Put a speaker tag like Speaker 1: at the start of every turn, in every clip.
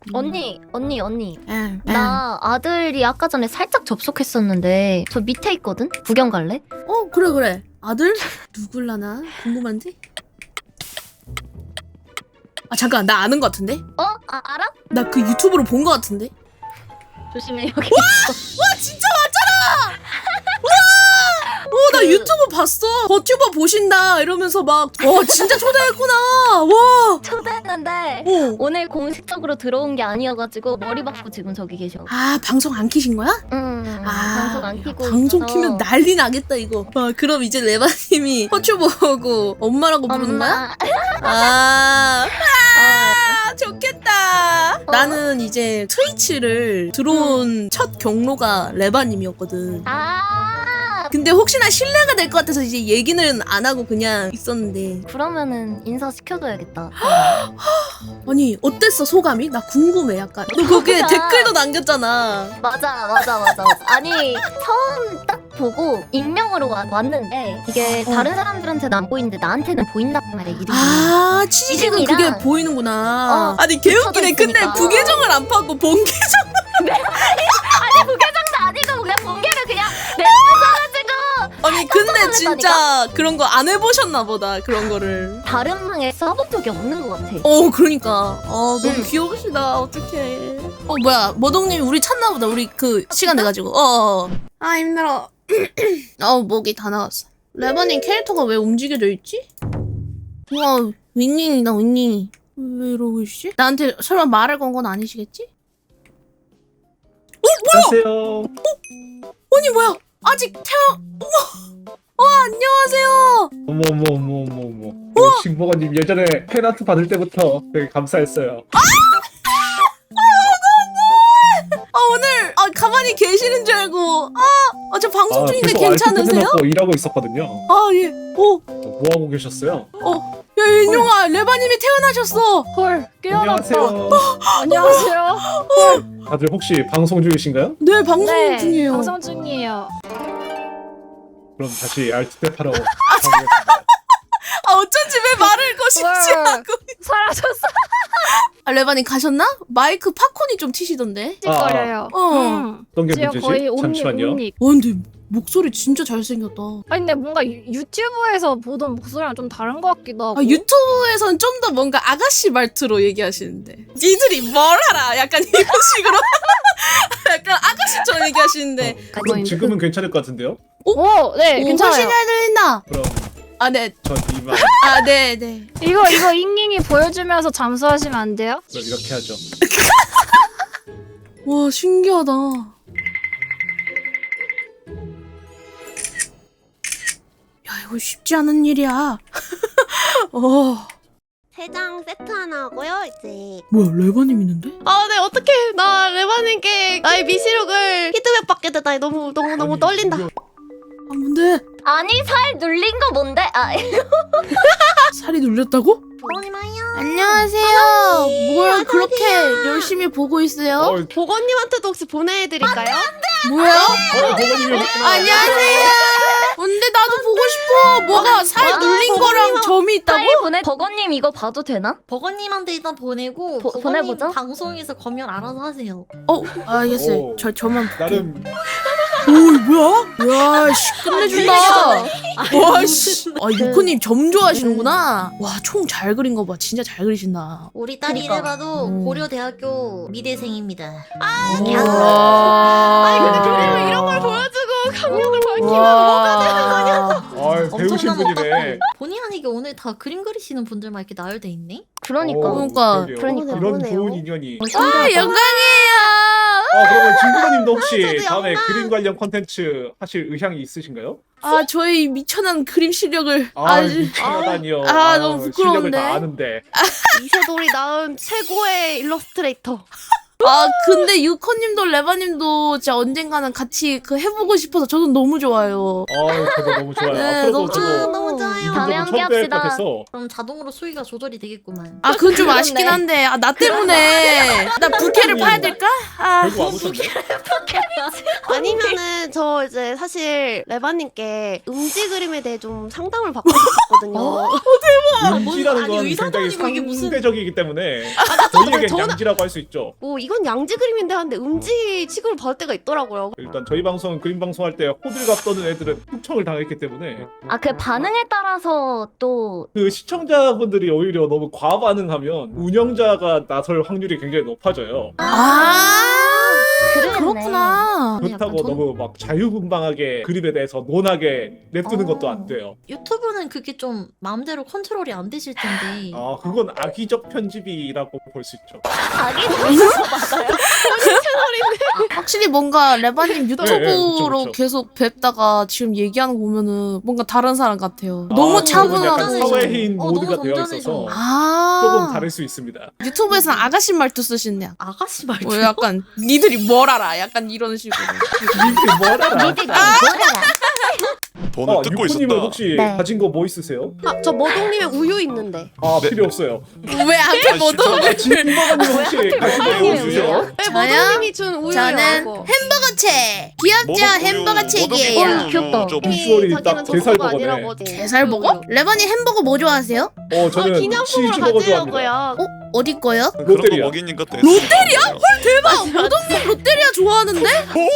Speaker 1: 언니.
Speaker 2: 응.
Speaker 1: 나 아들이 아까 전에 살짝 접속했었는데 저 밑에 있거든? 구경 갈래?
Speaker 2: 그래. 아들? 누굴라나? 궁금한데? 아, 잠깐. 나 아는 것 같은데?
Speaker 1: 알아?
Speaker 2: 나 그 유튜브로 본 것 같은데?
Speaker 1: 조심해 여기.
Speaker 2: 와, 진짜 맞잖아! 나 유튜브 봤어. 버튜버 보신다 이러면서 막 진짜 초대했구나. 와.
Speaker 1: 초대했는데
Speaker 2: 어.
Speaker 1: 오늘 공식적으로 들어온 게 아니어가지고 머리 박고 지금 저기 계셔.
Speaker 2: 아, 방송 안 키신 거야?
Speaker 1: 방송 안 키고
Speaker 2: 방송
Speaker 1: 있어서.
Speaker 2: 키면 난리 나겠다 이거. 그럼 이제 레바님이 버튜버고 엄마라고 부르는 거야? 아, 좋겠다. 나는 이제 트위치를 들어온 첫 경로가 레바님이었거든. 근데 혹시나 신뢰가 될 것 같아서 이제 얘기는 안 하고 그냥 있었는데.
Speaker 1: 그러면은 인사 시켜줘야겠다.
Speaker 2: 아니, 어땠어 소감이? 나 궁금해 약간. 너 거기에 댓글도 남겼잖아.
Speaker 1: 맞아. 아니 처음 딱 보고 익명으로 왔는데 이게 다른 사람들한테는 안 보이는데 나한테는 보인단 말이야 이름이.
Speaker 2: 아, 치즈는
Speaker 1: 이름이랑-
Speaker 2: 그게 보이는구나. 아니 개웃기네.
Speaker 1: 붙여져
Speaker 2: 근데
Speaker 1: 있으니까.
Speaker 2: 부계정을 안 파고 본계정.
Speaker 1: 아니 부계정도 아니고 그냥 본계를 그냥 내려가지고
Speaker 2: 아니 근데
Speaker 1: 놀랐다니까?
Speaker 2: 진짜 그런 거 안 해보셨나 보다. 그런 거를.
Speaker 1: 다른 방에 써본 적이 없는 것 같아.
Speaker 2: 그러니까. 너무 귀여우시다. 어떡해. 뭐야, 머동님이 우리 찾나 보다. 우리 그 시간 돼가지고. 아, 힘들어. 목이 다 나갔어. 레바님 캐릭터가 왜 움직여져 있지? 우와, 윈닝이다, 윈닝이. 왜 이러고 있지? 나한테 설마 말을 건 건 아니시겠지?
Speaker 3: 안녕하세요.
Speaker 2: 아니, 뭐야? 아직 안녕하세요.
Speaker 3: 어머. 징버거님 예전에 팬아트 받을 때부터 되게 감사했어요.
Speaker 2: 오늘 가만히 계시는 줄 알고. 저 방송 중인데
Speaker 3: 계속
Speaker 2: 괜찮으세요?
Speaker 3: 알고 일하고 있었거든요.
Speaker 2: 예.
Speaker 3: 뭐 하고 계셨어요?
Speaker 2: 야, 윤용아, 레바님이 태어나셨어.
Speaker 4: 헐, 깨어났다.
Speaker 3: 안녕하세요.
Speaker 4: 안녕하세요.
Speaker 3: 다들 혹시 방송 중이신가요?
Speaker 2: 네, 방송
Speaker 4: 네,
Speaker 2: 중이에요.
Speaker 4: 방송 중이에요.
Speaker 3: 그럼 다시 알트탭하러 가보겠습니다.
Speaker 2: 어쩐지 왜 말을 거시지
Speaker 4: 헐.
Speaker 2: 않고.
Speaker 4: 사라졌어.
Speaker 2: 레바님 가셨나? 마이크 팝콘이 좀 튀시던데.
Speaker 4: 찌꺼려요.
Speaker 3: 어떤 게
Speaker 4: 지금
Speaker 3: 문제지?
Speaker 4: 거의
Speaker 3: 잠시만요.
Speaker 4: 옴닉.
Speaker 2: 근데 목소리 진짜 잘생겼다.
Speaker 4: 아니 근데 뭔가 유튜브에서 보던 목소리랑 좀 다른 것 같기도 하고.
Speaker 2: 유튜브에선 좀 더 뭔가 아가씨 말투로 얘기하시는데. 니들이 뭘 알아? 약간 이런 식으로. 약간 아가씨처럼 얘기하시는데.
Speaker 3: 그럼 지금은 괜찮을 것 같은데요?
Speaker 4: 네,
Speaker 2: 훨씬
Speaker 4: 괜찮아요.
Speaker 2: 잘 들린다.
Speaker 3: 그럼
Speaker 2: 네.
Speaker 3: 전 이만
Speaker 2: 네.
Speaker 4: 이거 잉잉이 보여주면서 잠수하시면 안 돼요?
Speaker 3: 그럼 이렇게 하죠.
Speaker 2: 와, 신기하다. 야, 이거 쉽지 않은 일이야.
Speaker 5: 세 장 세트 하나 하고요, 이제.
Speaker 2: 뭐야, 레바님 있는데?
Speaker 5: 네, 어떡해. 나 레바님께 나의 미시룩을 피드백 받게 되다니 너무 떨린다.
Speaker 2: 뭔데?
Speaker 1: 아니 살 눌린 거 뭔데?
Speaker 2: 살이 눌렸다고?
Speaker 5: 보건님아요.
Speaker 2: 안녕하세요. 뭘 그렇게 열심히 보고 있어요?
Speaker 5: 보건님한테도 혹시 보내드릴까요?
Speaker 2: 뭐야?
Speaker 3: 보건님이
Speaker 2: 안녕하세요. 근데 나도 보고 싶어. 뭐가 살 눌린 거랑 점이 있다고?
Speaker 1: 파일 보내. 버거님 이거 봐도 되나?
Speaker 5: 버건님한테 일단 보내고
Speaker 1: 보-
Speaker 5: 버건님
Speaker 1: 보내보자.
Speaker 5: 방송에서 검열 알아서 하세요.
Speaker 2: 알겠어요.
Speaker 3: 오.
Speaker 2: 저만 볼게요.
Speaker 3: 나름
Speaker 2: 뭐야? 와, 씨, 끝내준다. 와, 씨. 유코님 점 좋아하시는구나. 와, 총 잘 그린 거 봐. 진짜 잘 그리신다.
Speaker 5: 우리 딸이
Speaker 1: 그러니까.
Speaker 5: 이래봐도 고려대학교 미대생입니다.
Speaker 2: 아니,
Speaker 5: 근데 그림을 이런 걸 보여주고 강력을 밝히면
Speaker 3: 배우신
Speaker 5: 엄청난
Speaker 3: 분이네.
Speaker 5: 본의 아니게 오늘 다 그림 그리시는 분들만 이렇게 나열돼 있네?
Speaker 1: 그러니까.
Speaker 2: 그러니까.
Speaker 1: 그러니까.
Speaker 3: 이런
Speaker 5: 보네요.
Speaker 3: 좋은 인연이.
Speaker 2: 영광이에요.
Speaker 3: 그러면 진부모님도 혹시
Speaker 5: 저도
Speaker 3: 다음에
Speaker 5: 영광.
Speaker 3: 그림 관련 콘텐츠 하실 의향이 있으신가요?
Speaker 2: 저희 미천한 그림 실력을
Speaker 3: 미쳐다니요.
Speaker 2: 너무
Speaker 3: 실력을
Speaker 2: 부끄러운데.
Speaker 3: 다 아는데.
Speaker 5: 이세돌이 낳은 최고의 일러스트레이터.
Speaker 2: 근데 유코님도 레바님도 진짜 언젠가는 같이 해보고 싶어서 저도 너무 좋아요.
Speaker 3: 저도 너무 좋아요.
Speaker 2: 네,
Speaker 3: 앞으로도
Speaker 2: 너무
Speaker 3: 저도
Speaker 5: 너무 좋아요.
Speaker 1: 다음에 함께
Speaker 3: 처음 뵐것
Speaker 1: 합시다.
Speaker 3: 같아서.
Speaker 5: 그럼 자동으로 수위가 조절이 되겠구만.
Speaker 2: 그건 좀 아쉽긴 한데, 나 때문에. 나 불 부캐를 파야 될까? 아,
Speaker 3: 결국 안 오셨네.
Speaker 5: 아니면은 저 이제 사실 레바님께 음지 그림에 대해 좀 상담을 받고 싶었거든요.
Speaker 3: 음지라는
Speaker 2: 아니,
Speaker 3: 건
Speaker 2: 의사도
Speaker 3: 굉장히
Speaker 2: 아니고 이게 무슨-
Speaker 3: 상대적이기 때문에
Speaker 5: 저는-
Speaker 3: 저희에겐 양지라고 할 수 있죠.
Speaker 5: 뭐 이건 양지 그림인데 하는데 음지 취급을 받을 때가 있더라고요.
Speaker 3: 일단 저희 방송은 그림 방송할 때 호들갑 떠는 애들은 흑청을 당했기 때문에
Speaker 1: 아 그 반응에 따라서 또
Speaker 3: 그 시청자분들이 오히려 너무 과반응하면 운영자가 나설 확률이 굉장히 높아져요.
Speaker 1: 그러네.
Speaker 2: 그렇구나.
Speaker 3: 그렇다고
Speaker 2: 약간
Speaker 3: 너무 막 자유분방하게 그림에 대해서 논하게 냅두는 것도 안 돼요.
Speaker 6: 유튜브는 그게 좀 마음대로 컨트롤이 안 되실 텐데.
Speaker 3: 아 그건 악의적 편집이라고 볼 수 있죠.
Speaker 1: 자기 맞아요.
Speaker 2: 확실히 뭔가 레바님 유튜브로
Speaker 3: 그쵸.
Speaker 2: 계속 뵙다가 지금 얘기하는 거 보면은 뭔가 다른 사람 같아요. 너무
Speaker 3: 그건 약간
Speaker 2: 차분하고.
Speaker 3: 사회인
Speaker 6: 너무
Speaker 3: 모드가 되어
Speaker 6: 점잖으셔.
Speaker 3: 있어서
Speaker 2: 아.
Speaker 3: 조금 다를 수 있습니다.
Speaker 2: 유튜브에서는 아가씨 말투 쓰시네.
Speaker 6: 아가씨 말투.
Speaker 2: 뭐 약간 니들이 뭘 알아? 약간 이런 식으로.
Speaker 3: 님들 뭘 알아?
Speaker 1: 니들이 뭐라?
Speaker 7: 돈을 뜯고
Speaker 3: 유쿠님은
Speaker 7: 있었다.
Speaker 3: 혹시
Speaker 1: 네.
Speaker 3: 가진 거 뭐 있으세요?
Speaker 5: 저 머동님의 우유 있는데.
Speaker 3: 아 필요 없어요.
Speaker 2: 왜 앞에 뭐
Speaker 7: 진짜?
Speaker 3: 진버가님 혹시 가진 거 뭐
Speaker 1: 아니에요,
Speaker 3: 있으세요?
Speaker 5: 네,
Speaker 2: 저요?
Speaker 5: 머동님이 준 우유예요.
Speaker 2: 저는
Speaker 5: 이거.
Speaker 2: 햄버거 책. 귀엽죠? 햄버거 책이에요.
Speaker 1: 귀엽다.
Speaker 3: 비주얼이 딱
Speaker 5: 자기는
Speaker 3: 게살
Speaker 5: 저거가
Speaker 3: 버거네.
Speaker 5: 아니라고.
Speaker 2: 게살버거? 레바님 햄버거 뭐 좋아하세요?
Speaker 3: 저는
Speaker 5: 기념품으로
Speaker 3: 치즈버거 좋아합니다.
Speaker 5: 가지려고요.
Speaker 2: 어디 거요?
Speaker 7: 그런 거
Speaker 3: 롯데리아.
Speaker 7: 먹이는 것도
Speaker 2: 롯데리아? 대박! 모동님 롯데리아 좋아하는데?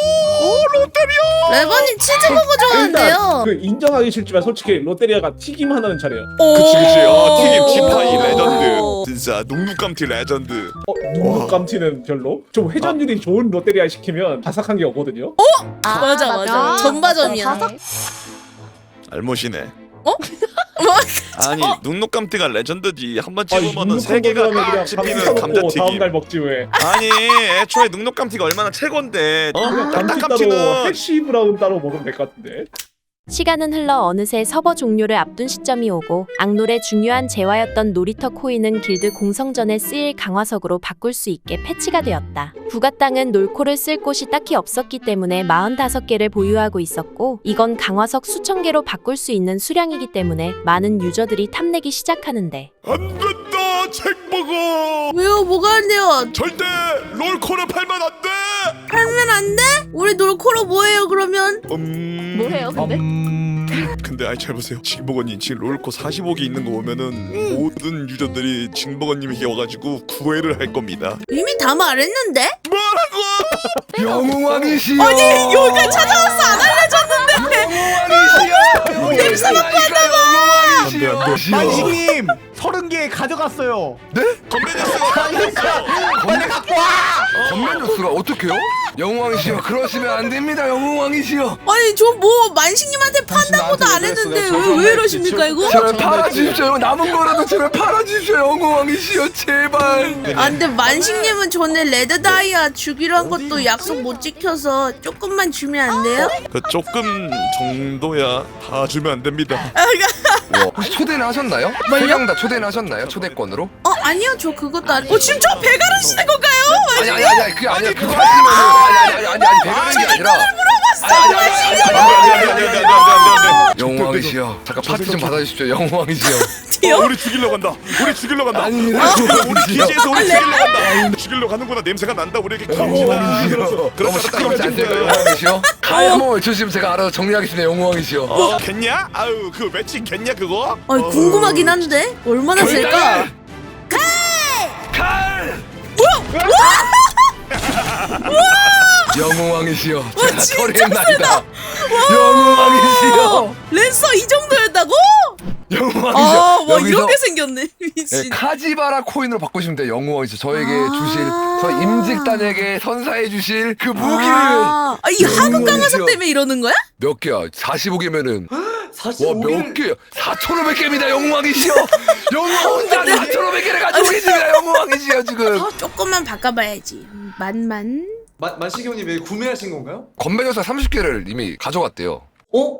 Speaker 2: 레바님 치즈버거 좋아한대요.
Speaker 3: 일단 그 인정하기 싫지만 솔직히 롯데리아가 튀김 하나는 잘해요.
Speaker 7: 그치 튀김 지파이
Speaker 2: 오.
Speaker 7: 레전드. 진짜 눅눅감튀 레전드.
Speaker 3: 누룩감튀는 별로. 좀 회전율이 좋은 롯데리아 시키면 바삭한 게 오거든요.
Speaker 2: 맞아. 전바점이야.
Speaker 5: 바삭-
Speaker 7: 알못이네.
Speaker 2: 어?
Speaker 7: 아니 눅눅감튀가 레전드지. 한 번
Speaker 3: 아니,
Speaker 7: 찍으면은 세 개가
Speaker 3: 누룩감튀라면 그냥
Speaker 7: 딱 씹히는
Speaker 3: 감튀 사놓고
Speaker 7: 감자튀김.
Speaker 3: 다음날 먹지 왜.
Speaker 7: 아니 애초에 눅눅감튀가 얼마나 최고인데.
Speaker 3: 그냥 감튀 따로
Speaker 7: 딱딱감튀는
Speaker 3: 해시 브라운 따로 먹으면 될 것 같은데.
Speaker 8: 시간은 흘러 어느새 서버 종료를 앞둔 시점이 오고 악놀의 중요한 재화였던 놀이터 코인은 길드 공성전에 쓰일 강화석으로 바꿀 수 있게 패치가 되었다. 부가 땅은 놀코를 쓸 곳이 딱히 없었기 때문에 45개를 보유하고 있었고 이건 강화석 수천 개로 바꿀 수 있는 수량이기 때문에 많은 유저들이 탐내기 시작하는데
Speaker 7: 안 된다 책먹어.
Speaker 2: 왜요? 뭐가 안 돼요?
Speaker 7: 절대 롤코를 팔면 안 돼.
Speaker 2: 팔면 안 돼? 우리 놀코로 뭐해요 그러면?
Speaker 1: 뭐해요 근데?
Speaker 7: 근데 아이 잘 보세요. 징버거님 지금 롤코 45개 있는 거 보면은 모든 유저들이 징버거님에게 와가지고 구애를 할 겁니다.
Speaker 2: 이미 다 말했는데?
Speaker 9: 영웅왕이시여.
Speaker 2: 아니 여기까지 찾아왔어 안 알려줬는데.
Speaker 9: 냄새 맡고 한다고.
Speaker 10: 만식님 30개 가져갔어요.
Speaker 9: 빨리 갖고 와. 건면뉴스가 어떡해요? 영웅왕이시여 그러시면 안 됩니다. 영웅왕이시여.
Speaker 2: 아니 저 뭐 만식님한테 판다고도 안 했는데 왜 이러십니까 이거?
Speaker 9: 제발 팔아주십시오. 남은 거라도 제발 팔아주십시오. 영웅왕이시여 제발.
Speaker 2: 아 근데 만식님은 전에 레드 다이아 주기로 한 것도 약속 못 지켜서 조금만 주면 안 돼요?
Speaker 7: 그 조금 정도야 다 주면 안 됩니다.
Speaker 9: 혹시 초대는 하셨나요?
Speaker 2: 뭘요?
Speaker 9: 3명 다 초대는 하셨나요? 초대권으로?
Speaker 2: 아니요 저 그것도 아니에요. 지금 저 배가를 쓰는 건가요?
Speaker 9: 아니 그게 아니라 그거 하시면은 아니 배가는 게 아니라
Speaker 7: 안돼안돼안돼안돼안돼안돼.
Speaker 9: 영웅왕이시여 잠깐 파티 좀 받아주십시오. 영웅왕이시여.
Speaker 7: 우리 죽이려 간다. 우리 죽이려 간다.
Speaker 9: 아닙니다.
Speaker 7: 우리 기지에서 우리 죽이려 간다. 죽이려 가는구나. 냄새가 난다. 우리에게
Speaker 9: 영웅왕이시여. 너무 시끄럽지 않습니까? 영웅왕이시여. 한번 외쳐주시면 제가 알아서 정리하겠습니다. 영웅왕이시여.
Speaker 7: 겠냐? 아유 그 매칭 겠냐 그거?
Speaker 2: 아니 궁금하긴 한데 얼마나 쓸까?
Speaker 9: 영웅왕이시여 제가 처리했나이다. 영웅왕이시여.
Speaker 2: 랜서 이 정도였다고?
Speaker 9: 영웅왕이시여.
Speaker 2: 아와
Speaker 9: 여기서
Speaker 2: 이렇게 생겼네
Speaker 9: 네,
Speaker 2: 미친.
Speaker 9: 카지바라 코인으로 바꾸시면 돼요. 영웅왕이시여. 저에게 주실 저희 임직단에게 선사해 주실 그 무기를
Speaker 2: 이 하급 강화석
Speaker 9: 영웅이시여.
Speaker 2: 때문에 이러는 거야?
Speaker 9: 몇 개야? 45개면은 와 몇 개야? 4,500개입니다. 영웅왕이시여. 영웅 혼자 4,500개를 가지고 계십니다. 영웅왕이시여 지금.
Speaker 2: 조금만 바꿔봐야지. 만만.
Speaker 10: 만식이 형님 왜 구매하신 건가요?
Speaker 9: 건배녀사 30개를 이미 가져갔대요.
Speaker 10: 어?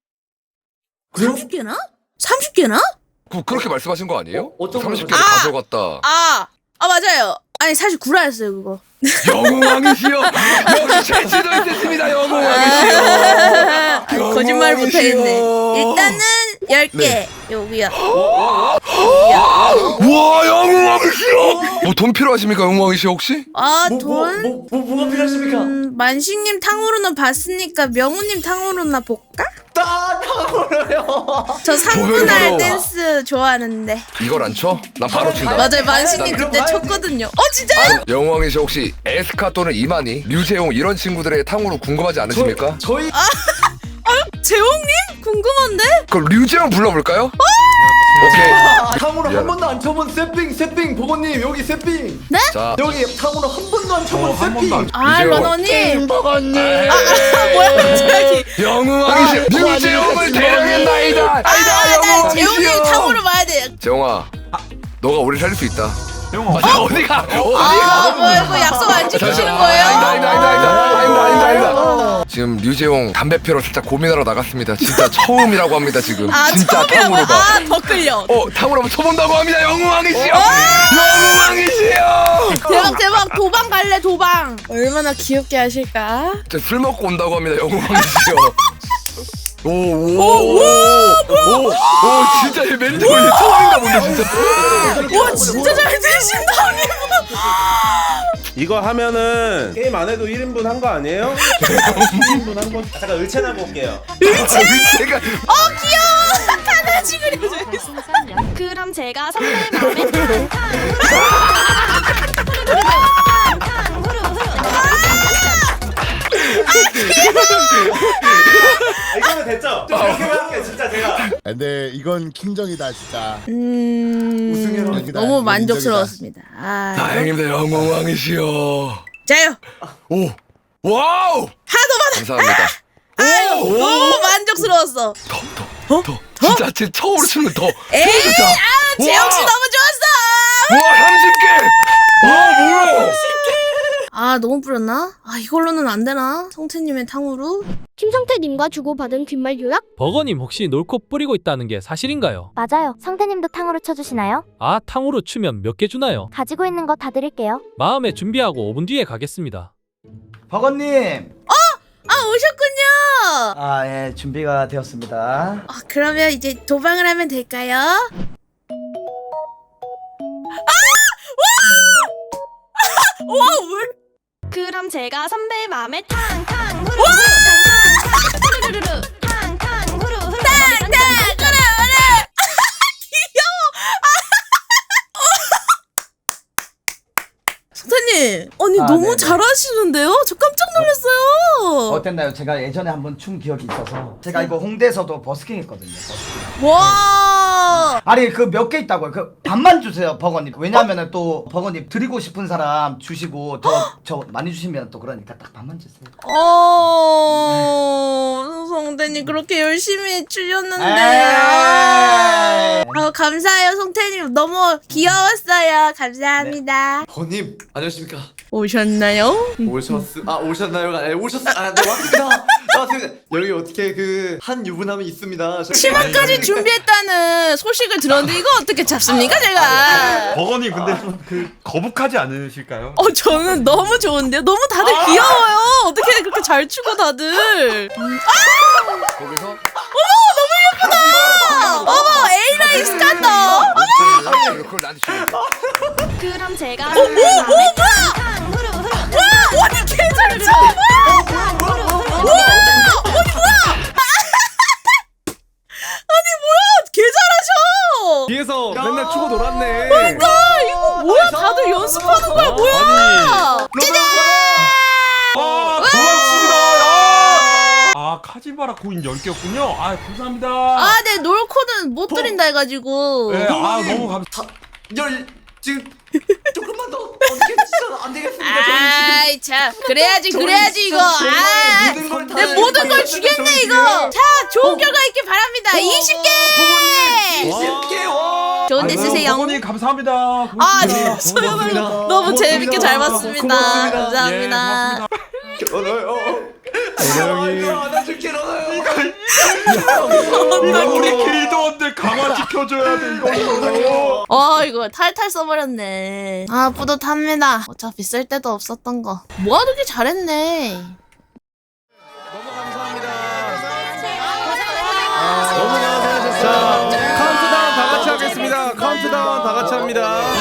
Speaker 2: 30개나? 30개나?
Speaker 9: 그렇게 말씀하신 거 아니에요?
Speaker 10: 어떤 걸
Speaker 9: 30개를 가져갔다.
Speaker 2: 아 맞아요. 아니 사실 구라였어요 그거.
Speaker 9: 영웅왕이시여. 역시 채취도 있었습니다. 영웅왕이시여.
Speaker 2: 거짓말 못하겠네. 일단은 10개
Speaker 9: 네.
Speaker 2: 여기야.
Speaker 9: 와 영웅왕이시여. 뭐 돈 필요하십니까 영광이 씨 혹시?
Speaker 2: 아 돈?
Speaker 10: 뭐가 필요하십니까?
Speaker 2: 만식님 탕후루는 봤으니까 명우님 탕후루나 볼까?
Speaker 10: 탕후루요.
Speaker 2: 저 3분할
Speaker 9: 바로.
Speaker 2: 댄스 좋아하는데.
Speaker 9: 이걸 안 쳐? 난 바로 친다.
Speaker 2: 맞아요, 만식님
Speaker 10: 그럼
Speaker 2: 그때
Speaker 10: 봐야지.
Speaker 2: 쳤거든요. 진짜요?
Speaker 9: 영광이 씨 혹시 에스카 또는 이만희, 류재용 이런 친구들의 탕후루 궁금하지 않으십니까?
Speaker 10: 저희
Speaker 2: 재홍님? 궁금한데?
Speaker 9: 그럼 류재용 불러볼까요? 오케이.
Speaker 10: 탕후루 한
Speaker 9: 미안해.
Speaker 10: 번도 안 쳐본 세핑 보건님 여기 세핑.
Speaker 2: 네?
Speaker 9: 자,
Speaker 10: 여기 탕후루 한 번도 안 쳐본 세핑.
Speaker 2: 아,
Speaker 9: 류재용.
Speaker 2: 러너님.
Speaker 9: 에이,
Speaker 2: 뭐야, 갑자기.
Speaker 9: 영광이 씨 류재용을 대령했나이다.
Speaker 2: 나
Speaker 9: 영광이
Speaker 2: 재홍님
Speaker 9: 씨요.
Speaker 2: 탕후루 봐야 돼.
Speaker 9: 재용아, 너가 우리 살릴 수 있다.
Speaker 10: 영화.
Speaker 9: 어디가?
Speaker 2: 뭐야, 이거 약속 안 지키시는 거예요?
Speaker 9: 아니다. 지금 류재용 담배 피러 살짝 고민하러 나갔습니다. 진짜 처음이라고 합니다 지금. 진짜 탕후루가.
Speaker 2: 더 끌려.
Speaker 9: 탕후루 한번 쳐본다고 합니다. 영광이 씨요. 영광이 씨요.
Speaker 2: 대박. 도방 갈래, 도방. 얼마나 귀엽게 하실까?
Speaker 9: 술 먹고 온다고 합니다. 영광이 씨요. 오, 진짜 얘 멘트 걸리 처음인가 본데 진짜.
Speaker 2: 와, 진짜 잘 드신다.
Speaker 11: 이거 하면은 게임 안 해도 1인분 한 거 아니에요? 1인분 한 거. 잠깐 의체나 볼게요.
Speaker 9: 제가
Speaker 2: 귀여워. 강아지 그려져 있어.
Speaker 5: 그럼 제가 선배의 마음에
Speaker 11: 이거는 됐죠? 좀 이렇게 할게 진짜 제가.
Speaker 12: 근데 이건 킹정이다 진짜.
Speaker 10: 우승해라.
Speaker 2: 너무 만족스러웠습니다.
Speaker 9: 다행입니다. 영광이 씨요.
Speaker 2: 자요.
Speaker 9: 오, 와우.
Speaker 2: 하도 많아.
Speaker 9: 감사합니다.
Speaker 2: 너무 만족스러웠어.
Speaker 9: 더. 진짜 제 처음으로 치는 더.
Speaker 2: 에이, 재영 씨 너무 좋았어.
Speaker 9: 와, 30개. 와, 뭐야?
Speaker 2: 너무 뿌렸나? 이걸로는 안 되나? 성태님의 탕후루?
Speaker 5: 김성태님과 주고받은 귓말 요약?
Speaker 13: 버거님 혹시 놀코 뿌리고 있다는 게 사실인가요?
Speaker 1: 맞아요. 성태님도 탕후루 쳐주시나요?
Speaker 13: 아, 탕후루 추면 몇 개 주나요?
Speaker 1: 가지고 있는 거 다 드릴게요.
Speaker 13: 마음에 준비하고 5분 뒤에 가겠습니다.
Speaker 10: 버건님.
Speaker 2: 오셨군요.
Speaker 10: 예 준비가 되었습니다.
Speaker 2: 그러면 이제 도방을 하면 될까요?
Speaker 5: 그럼 제가 선배의 마음에 탕탕 후루 후루루루 탕탕 후루 후루
Speaker 2: 성태님, 너무
Speaker 10: 네네.
Speaker 2: 잘하시는데요? 저 깜짝 놀랐어요.
Speaker 10: 어땠나요? 제가 예전에 한번 춘 기억이 있어서 제가 이거 홍대에서도 버스킹 했거든요.
Speaker 2: 와.
Speaker 10: 아니 그 몇 개 있다고요. 그 반만 주세요 버거님. 왜냐면은 또 버거님 드리고 싶은 사람 주시고 저 많이 주시면 또 그러니까 딱 반만 주세요.
Speaker 2: 성태님 그렇게 열심히 주셨는데.
Speaker 10: 에이.
Speaker 2: 감사해요, 성태님. 너무 귀여웠어요. 감사합니다.
Speaker 10: 버거님 안녕하십니까?
Speaker 2: 오셨나요?
Speaker 10: 오셨나요가 아니라 네 왔습니다. 여기 어떻게 그 한 유부남이 있습니다.
Speaker 2: 치마까지 준비했다는 소식을 들었는데 이거 어떻게 잡습니까, 제가?
Speaker 11: 버거님 근데 좀 그 거북하지 않으실까요?
Speaker 2: 저는 너무 좋은데요? 너무 다들 귀여워요. 어떻게 그렇게 잘 추고 다들.
Speaker 9: 거기서
Speaker 2: 어머, 에이라인 스칸더.
Speaker 9: 그걸 나한테 주면 돼.
Speaker 5: 그럼 제가 선배의 마음에 탕탕 후루 후루
Speaker 2: 언니 개잘 쳐. 개 잘하셔.
Speaker 11: 뒤에서 맨날 추고 놀았네.
Speaker 2: 이거 뭐야? 다들 연습하는 거야, 뭐야?
Speaker 11: 고맙습니다. 카지바라 코인 10개였군요. 감사합니다.
Speaker 2: 네, 놀코는 못 드린다 해가지고.
Speaker 11: 네, 너무 감사.
Speaker 10: 지금 조금만 더 어떻게 진짜 안 되겠습니다.
Speaker 2: 참. 그래야지, 이거. 내 모든 걸 주겠네, 이거. 자, 좋은 결과 있길 바랍니다. 20개!
Speaker 10: 20개.
Speaker 2: 좋은 데 쓰세요.
Speaker 11: 버거님 감사합니다.
Speaker 2: 네, 소영아. 너무 재밌게 잘 봤습니다.
Speaker 10: 고맙습니다.
Speaker 2: 감사합니다.
Speaker 10: 결혼해요. 안아줄게 일어나요.
Speaker 11: 이거 우리 길드원들 강화 지켜줘야 돼 이거.
Speaker 2: 이거 탈탈 써버렸네. 뿌듯합니다. 어차피 쓸 데도 없었던 거. 모아두기 잘했네.
Speaker 11: 너무 감사합니다. 너무 고생하셨어요. 카운트다운 다 같이 하겠습니다. 카운트다운 다 같이 합니다.